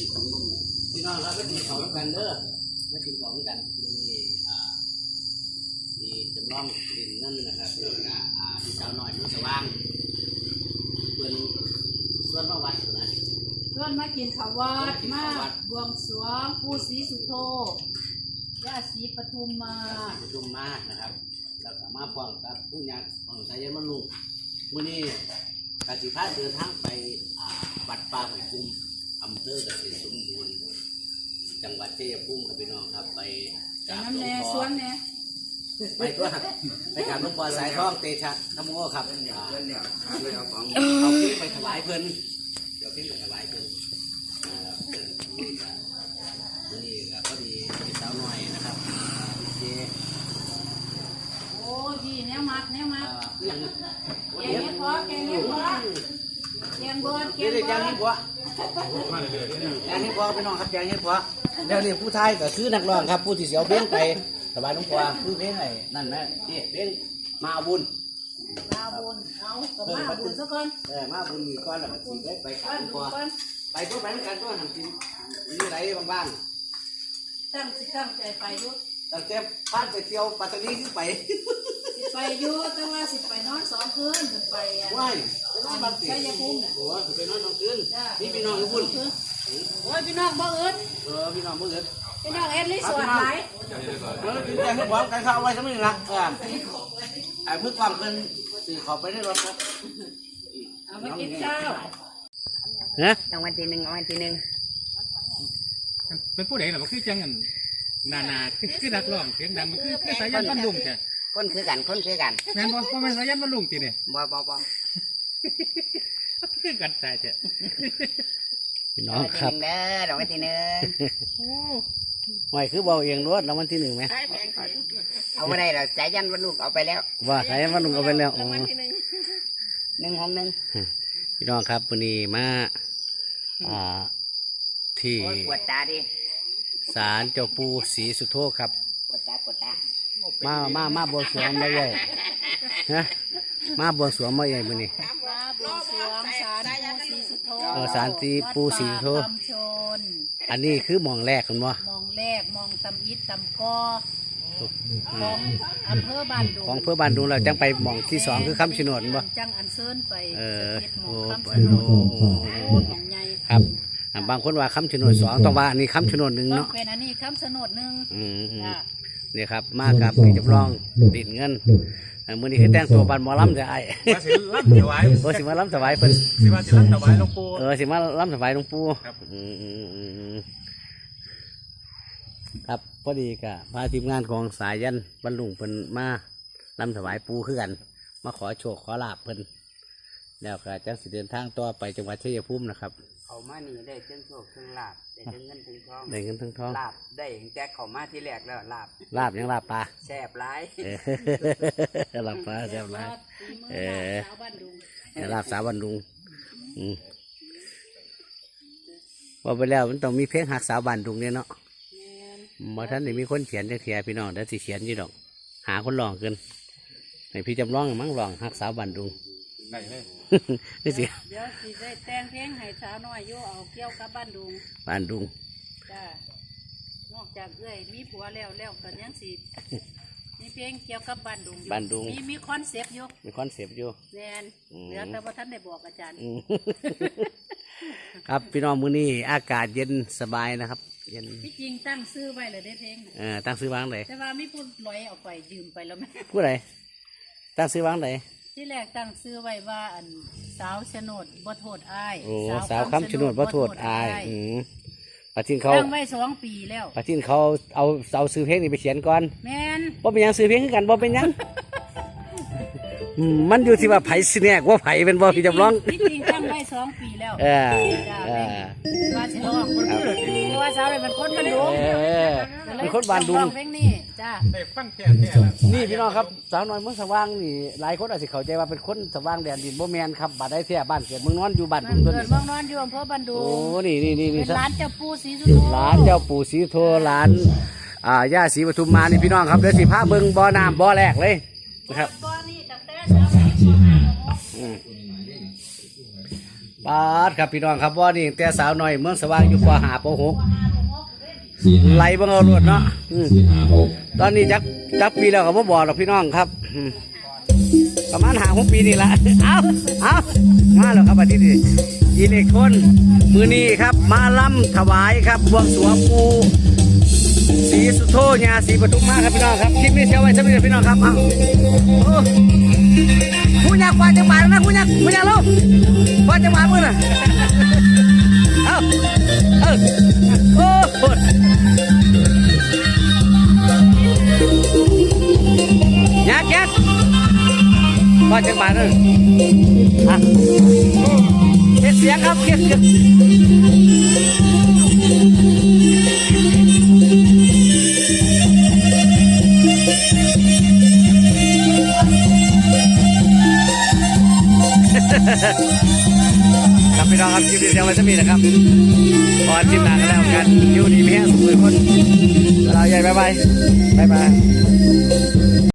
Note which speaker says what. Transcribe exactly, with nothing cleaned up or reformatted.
Speaker 1: พี่น้องเราก็กินของกันเด้อไม่กินของกันมีอ่ามีจำลองดินนั่นนะครับแล้วก็อ่าที่สาวน้อยมือสว่างเป็นส่วนมาวัดนะ
Speaker 2: ส่วนมากินข้าววัดมาบวงสรวงปู่ศรีสุโธย่าศรีปทุมมา
Speaker 1: ปทุมมานะครับแล้วก็มาพร้อมกับผู้ญาติของสายยันมันลุงมื้อนี้กสิพาเดินทางไปวัดป่าห้วยกุ้มอำเภอเกษตรสมบูรณ์จังหวัดชัยภูมิครับพี่น้องครับไปกราบหลวงพ่อไปตัวไปกราบหลวงพ่อสายทองเตชะธรรมโอครับเอาพี่ไปถวายเพิ่นเดี๋ยวพี่ไปถวายเพิ่นนี่ก็พอดีเป็นสาวน้อยนะครับเจ
Speaker 2: โอ้ยแนวมัดแนวมัด
Speaker 1: ยัง
Speaker 2: แกงเห็ดเพาะแกงเห็ดเพาะแกงเบิร์ดแกงเบิร์ด
Speaker 1: แกงเห็ดเพาะแกงเห็ดเพาะพี่น้องครับแกงเห็ดเพาะเดี๋ยวนี้ผู้ไทยก็คือนักร้องครับผู้ที่เสียวเพลงไปสบายน้องกวางคือเพลงไหนนั่นแม่นี่เพลงมาบุญ
Speaker 2: มาบุญเอาก็มาบุญสักคน
Speaker 1: เออมาบุญมีก้อนแล้วมันสิได้ไปขับตัวไปตัวไปด้วยกันตัวทำกินมีอะไรบ้าง
Speaker 2: ๆตั้งสิตั้งใจไปด้วย
Speaker 1: ตั้งแต่พานไปเที่ยวปัตตานีขึ้นไป
Speaker 2: ไปอยู่แต่ว่าสิไปนอนสองคืนไป
Speaker 1: ว้ายไปนอนบ้านใช่ยังคุ้มโอ้ยไปนอนสองคืนนี่พี่น้องอยู่บุญ
Speaker 2: โอ้ยพี่น้องบ่เอิญ
Speaker 1: เออพี่น้องบ่เอิญ
Speaker 2: พี่น้องเอ็ดลิสวนไหน
Speaker 1: เออกินแกงให้พร้อมกันข้าวเอาไว้สักนิดละเออไอ้เพื่อความเป็นสื่อขอไปได้รถครับ
Speaker 2: เอามากินข้าว
Speaker 1: ฮะ
Speaker 3: รางวัลที่หนึ่งรางวัลที่หนึ่ง
Speaker 4: เป็นผู้ใดหรอมันคือจังกันนานาคือคือนักร้องเสียงดังมันคือคือสายันบรรลุงใช่
Speaker 3: คนคือกันคนคือกัน
Speaker 4: แม่นบ่บ่แม่นสายันบรรลุงติเนี่ย
Speaker 3: บ่บ่บ่
Speaker 4: คือกันแต่เจ้
Speaker 1: พี่น้องครับ
Speaker 3: เด้อรางวัลที่หนึ่ง
Speaker 1: ไหวคือเบาเองรวดรางวัลที่หนึ่งไหม
Speaker 3: เอาไม่ได้หรอกสายันบรรลุงเอาไปแล้ว
Speaker 1: ว่าสายันบรรลุงเอาไปแล้ว
Speaker 3: รางวัลที่หนึ่งหนึ่งห้องหนึ่ง
Speaker 1: พี่น้องครับวันนี้มาอ่าที่
Speaker 3: ปวดตาดิ
Speaker 1: ศาลเจ้าปู่ศรีสุโธครับ
Speaker 3: ปวดตาปวดตา
Speaker 1: มามามาบวงสรวงมาใหญ่ฮะมาบวงสรวงมาใหญ่มื้อนี้
Speaker 2: มาบวงสรวงศาลปู่ศรีสุโธ
Speaker 1: เออศาลที่ปู่ศรีสุโธอันนี้คือมองแรกคุณบ่
Speaker 2: มองแรกมองตำอิดตำกอของอำเภอบ้านดุง
Speaker 1: ของอำเภอบ้านดุงเราจังไปมองที่สองคือคำชะโนดบ่
Speaker 2: จังอันเซินไป
Speaker 1: เออ
Speaker 2: โอ้คำชะโนดของใหญ่
Speaker 1: ครับบางคนว่าคำชะโนดสองต้องว่าอันนี้คำชะโนดหนึ่งเนาะ
Speaker 2: เป็นอันนี้คำชะโนดหนึ่ง
Speaker 1: อืมนี่ครับมากับพี่จำลองดินเงินมื้อนี้คือแต่งตัวบันหมอลำจะไอ้
Speaker 4: ว่าสิลำถวาย
Speaker 1: โอ้สิมาลำถวายเพิ่น
Speaker 4: สิว่าสิลำถวายหลวงปู่
Speaker 1: เออสิมาลำถวายหลวงปู่ครับอืมครับพอดีกับพาทีมงานของสายยันบรรลุงเพิ่นมาลำถวายปู่คือกันมาขอโชคขอลาภเพิ่นแล้วก็จังสิเดินทางต่อไปจังหวัดชัยภูมินะครับ
Speaker 3: เขามานี่ได้เชิงโชคเชิงลาบได้เชิงเงินเชิงทอง
Speaker 1: ได้เงินเชิงทอง
Speaker 3: ลาบได้แจ็คเขามาที่แรกแล้วลาบ
Speaker 1: ลาบยังลาบปลา
Speaker 3: แซ่บหลาย
Speaker 1: ลาบปลาแซ่บหลายเออลาบสาวบันดุงว่าไปแล้วมันต้องมีเพลงหักสาวบันดุงเนี่ยเนาะมาท่านนี่มีคนเขียนจะเขียนพี่น้องเดี๋ยวสิเขียนยี่ดอกหาคนลองกันในพี่จำลองมั่งลองหักสาวบันดุง
Speaker 4: ได้เลย
Speaker 1: นี่สิ
Speaker 2: เดี๋ยวสิได้แต่งเพลงให้สาวน้อยโยเอาเกี่ยวกับบ้านดุง
Speaker 1: บ้านดุง
Speaker 2: จ้านอกจากเอ้ยมีผัวแล้วแล้วกันยังสิมีเพลงเกี่ยวกับบ้านดุง
Speaker 1: บ้านดุง
Speaker 2: มีมีคอนเซปต์อยู่
Speaker 1: มีคอนเซปต์อยู่
Speaker 2: แน่นเดี๋ยวแต่ว่าท่านได้บอกอาจารย์
Speaker 1: ครับพี่น้องมื้อนี้อากาศเย็นสบายนะครับเย็น
Speaker 2: ที่จริงตั้งซื้อไว้เลยได้เพลง
Speaker 1: เออตั้งซื้อวางไหน
Speaker 2: แต่ว่ามีผู้ลอยเอาไปยืมไปแล้วไหม
Speaker 1: ผู้ใดตั้งซื้อวางไหน
Speaker 2: ที่แรกตั้งซื้อไว้ว่าอันสาวชนดบ่โทษอ้าย
Speaker 1: โอ้สาวคำชนดบ่โทษอ้ายอืมปะทินเขา
Speaker 2: ตั้งไว้สองปีแล้ว
Speaker 1: ปะทินเขาเอาเอาซื้อเพลงนี่ไปเขียนก่อน
Speaker 2: แม่น
Speaker 1: บ่เป็นยังซื้อเพลงกันบ่เป็นยังมันอยู่ที่ว่าไผ่สิแน่ว่าไผ่เป็นบ่พี่จำลอง
Speaker 2: ที่จริงตั้งไว้สองปีแล้ว
Speaker 1: เออเออ
Speaker 2: ว่าสิร้องเพราะว่าสาวเป็นคนบ้านดุง
Speaker 1: เป็นคนบ้านดุง
Speaker 2: เพลงนี้จ้า
Speaker 4: ได้ฟังแค่
Speaker 1: นี่พี่น้องครับสาวน้อยเมืองสว่างนี่หลายคนอาจจะเข้าใจว่าเป็นคนสว่างแดนดินบ่แม่นครับบ้านใดแท้บ้านเกิดเมืองนอนอยู่บ้านดุง
Speaker 2: ตัวนี้เมืองนอนอยู่อำเภอบ้านดุง
Speaker 1: โอ้นี่นี่นี่
Speaker 2: เป็นร้านเจ้าปู่ศรีสุโธ
Speaker 1: ร้านเจ้าปู่ศรีสุโธร้านอ่าย่าศรีปทุมมานี่พี่น้องครับเดี๋ยวสิพาเบิ่งบ่อน้ำบ่อแรกเลยนะครับปาดครับพี่น้องครับว่านี่แต่สาวน้อยเมืองสว่างอยู่ปหาปหก
Speaker 5: สี่ห้า
Speaker 1: ไหลเบิ่งเอารวดเนาะอืม
Speaker 5: สี่ห้าหก
Speaker 1: ตอนนี้จักจักปีแล้วก็บ่บอกหรอกพี่น้องครับอืมประมาณหาหกปีนี่ละ เอาเอามาแล้วครับอาทิตย์นี้อีเล็กทรอนมือนี้ครับ มาล่ำถวายครับบวงสรวงปูศรีสุโธญาศรีปทุมมาครับพี่น้องครับคลิปนี้เชียวไว้สักนิดพี่น้องครับเอาโอ้ผู้ยักษ์ควานจังหวัดนะผู้ยักษ์ผู้ยักษ์ลูกควานจังหวัดมือน่ะเอาเออโอ้โหยักษ์ยักษ์ควานจังหวัดเลยอ่ะเฮ็ดเสียงครับเฮ็ดเสียงครับพี่น้องครับคลิปนี้เดี๋ยวไว้จะมีนะครับพอคลิปหน้าก็แล้วกันอยู่ดีมีแห้งสุขเลยคนเราใหญ่บายบายบายบาย